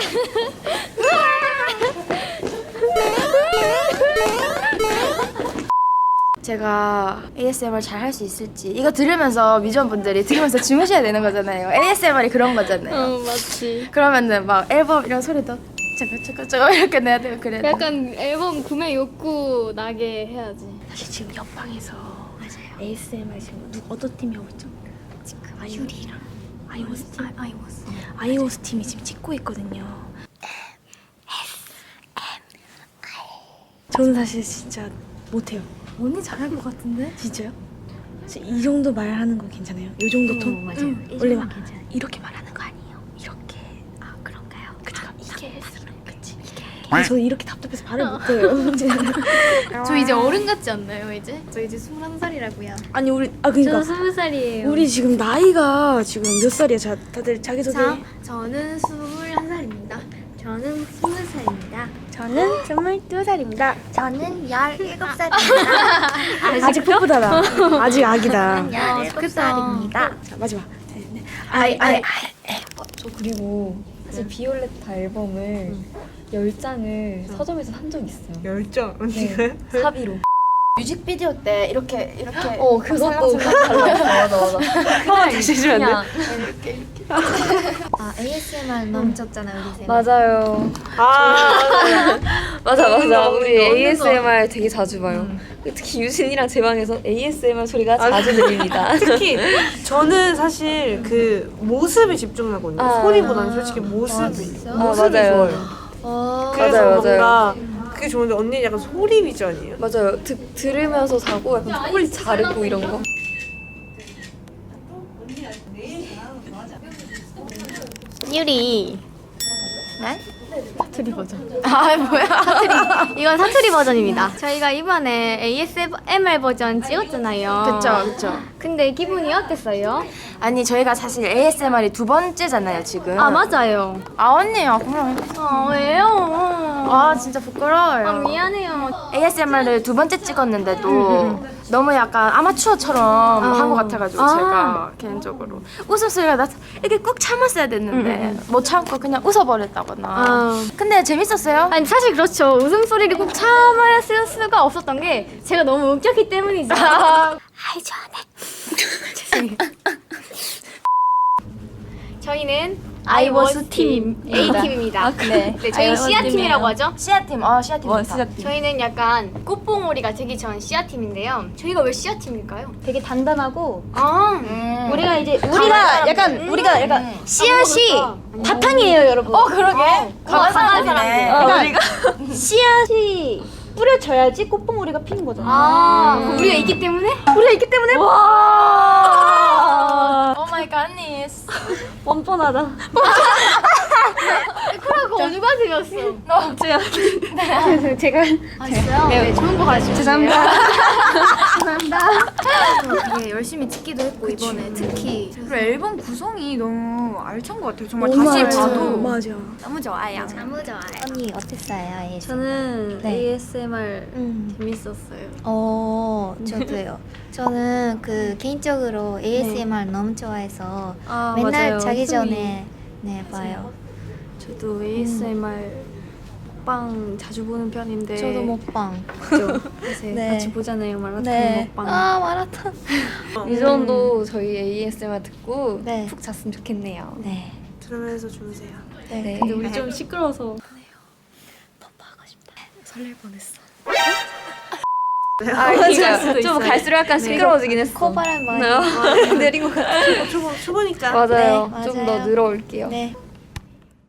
제가 ASMR 잘 할 수 있을지 이거 들으면서 뮤지션분들이 들으면서 주무셔야 되는 거잖아요. ASMR이 그런 거잖아요. 맞지. 그러면은 막 앨범 이런 소리도 저거 이렇게 내야 되고 그래야 돼. 약간 앨범 구매 욕구 나게 해야지. 사실 지금 옆방에서 ASMR 지금 어떤 팀이 하고 있죠? 지금 아이유리랑 아이오스 팀. 아이오스 팀이 지금 찍고 있거든요. 저는 사실 진짜 못해요. 언니 잘할 것 같은데? 진짜요? 이 정도 말하는 거 괜찮아요? 이 정도 톤? 맞아요. 원래 막 이렇게 말하는 거 아니에요? 이렇게. 아 그런가요? 그쵸. 이게 그치. 저 이렇게 답답해서 말을 못해요. 저 이제 어른 같지 않나요 이제? 저 이제 21살이라고요. 아니 우리 그러니까 저 20살이에요. 우리 지금 나이가 지금 몇 살이야? 다들 자기소개. 저는 21살입니다. 저는 20살입니다. 저는 22살입니다. 저는 17살입니다. 아직 풋풋하다. 아직 아기다. 17살입니다. 자 마지막. 저 그리고 사실 비올레타 앨범을 10장을 서점에서 산 적 있어요. 10장? 네, 사비로. 뮤직비디오 때 이렇게 그것도 맞아. 한번 다시 해주면 안 돼? ASMR 너무 적잖아요, 우리 세. 맞아요. 맞아. 우리 ASMR 되게 자주 봐요. 특히 유진이랑 제 방에서 ASMR 소리가 자주 들립니다. 특히 저는 사실 그 모습에 집중하거든요. 소리보다는 솔직히 모습이 맞아요. 그래서 맞아요. 뭔가 그게 좋은데 언니는 약간 소리 위주아니에요? 맞아요. 들으면서 자고 약간 소리 자르고 이런 거. 유리. 네? 사투리 버전. 아 뭐야? 이건 사투리 버전입니다. 저희가 이번에 ASMR 버전 찍었잖아요. 그쵸. 근데 기분이 어땠어요? 아니 저희가 사실 ASMR이 두 번째잖아요 지금. 아 맞아요. 아 언니야 그럼. 왜요? 아 진짜 부끄러워요. 미안해요. ASMR을 두 번째 찍었는데도 너무 약간 아마추어처럼 한 것 같아가지고 제가 개인적으로 웃음소리가 나서 이렇게 꾹 참았어야 됐는데 못 참고 그냥 웃어버렸다거나. 근데 재밌었어요? 아니 사실 그렇죠. 웃음소리를 꼭 참을 수가 없었던 게 제가 너무 웃겼기 때문이죠. 아이, 좋아네. 죄송해요. 저희는 아이워스 팀 A팀입니다. 네. 네, 저희는 C아팀이라고 하죠. 씨앗팀. 씨앗팀 좋다. 저희는 약간 꽃봉오리가 되기 전 C아팀인데요. 저희가 왜 C아팀일까요? 되게 단단하고 우리가 이제 우리가 약간 씨앗이 바탕이에요, 여러분. 그러게. 강한 사람이네. 그러니까 씨앗이 뿌려져야지 꽃봉오리가 피는 거잖아. 우리가 있기 때문에? 우리가 있기 때문에 오 마이 갓니스. 뻔뻔하다. 그러고 누가 들었어? 제가 진짜요? 네, 좋은 거 가지고. 죄송합니다. 되게 열심히 찍기도 했고 이번에 특히 그리고 앨범 구성이 너무 알찬 것 같아요. 정말 너무 다시 알죠. 봐도 맞아. 너무 좋아요. 너무 좋아요. 언니 어땠어요? ASMR? 저는 네. ASMR 재밌었어요. 저도요. 저는 그 개인적으로 ASMR 너무 좋아해서 맨날 맞아요. 자기 전에 봐요. 저도 ASMR 먹방 자주 보는 편인데. 저도 먹방. 요새 네. 같이 보잖아요 마라톤 네. 먹방. 마라톤. 유전도 저희 ASMR 듣고 네. 푹 잤으면 좋겠네요. 네. 들으면서 주무세요. 네. 근데 우리 좀 시끄러워서. 설렐 뻔했어. 수도 좀 있어요. 갈수록 약간 시끄러워지긴 했어. 코바람 많이 내린 것 같아. 초보니까. 맞아요. 네, 좀 맞아요. 더 늘어올게요. 네.